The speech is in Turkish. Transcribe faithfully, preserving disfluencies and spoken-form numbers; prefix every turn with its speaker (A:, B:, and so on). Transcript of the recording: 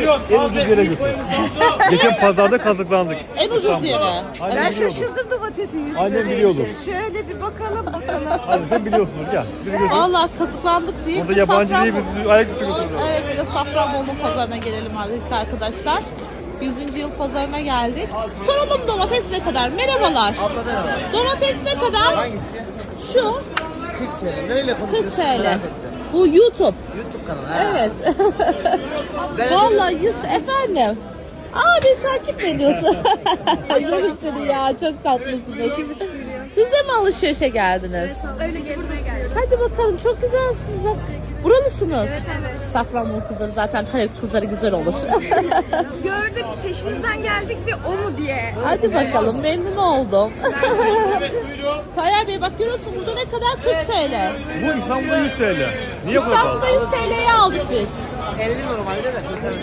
A: en ucuz yere götür. Geçen pazarda kazıklandık.
B: En ucuz yere.
A: Annem
C: Ben
A: biliyordu.
C: şaşırdım domatesin yüz
A: Annem
C: lira
A: biliyordu.
C: deyince. Şöyle bir bakalım bakalım.
A: Hadi sen biliyorsunuz gel. Bizi götür.
B: Vallahi kazıklandık diye
A: Orada
B: bir
A: yabancı değil
B: Safranbolu-
A: biz ayak üstü götürdük.
B: Evet, bir de Safranbolu pazarına gelelim artık arkadaşlar. yüzüncü yıl pazarına geldik. Soralım domates ne kadar? Merhabalar.
D: Abla merhaba.
B: Domates ne kadar?
D: Hangisi?
B: Şu
D: kırk T L. Nereyle
B: kırk
D: konuşuyorsun?
B: T L.
D: Merak ettim.
B: Bu YouTube.
D: YouTube kanalı. Ha.
B: Evet.
D: Ben
B: Vallahi yüz efendim. Aa beni takip mi ediyorsun? Yerim seni ya, çok tatlısınız. Siz de mi alışverişe geldiniz?
E: Öyle gezmeye geldik.
B: Hadi bakalım, çok güzelsiniz bak. Buralısınız.
E: Evet, evet.
B: Safranbolu kızları zaten Karabük kızları güzel olur.
E: Gördük, peşinizden geldik ve o mu diye.
B: Hadi bakalım, memnun oldum. Tayyar Bey bak, görüyorsun burada ne kadar? kırk T L.
A: Bu İstanbul'da yüz T L. Niye bu kadar?
B: İstanbul'da yüz T L'ye aldık biz.
D: elli normalde de.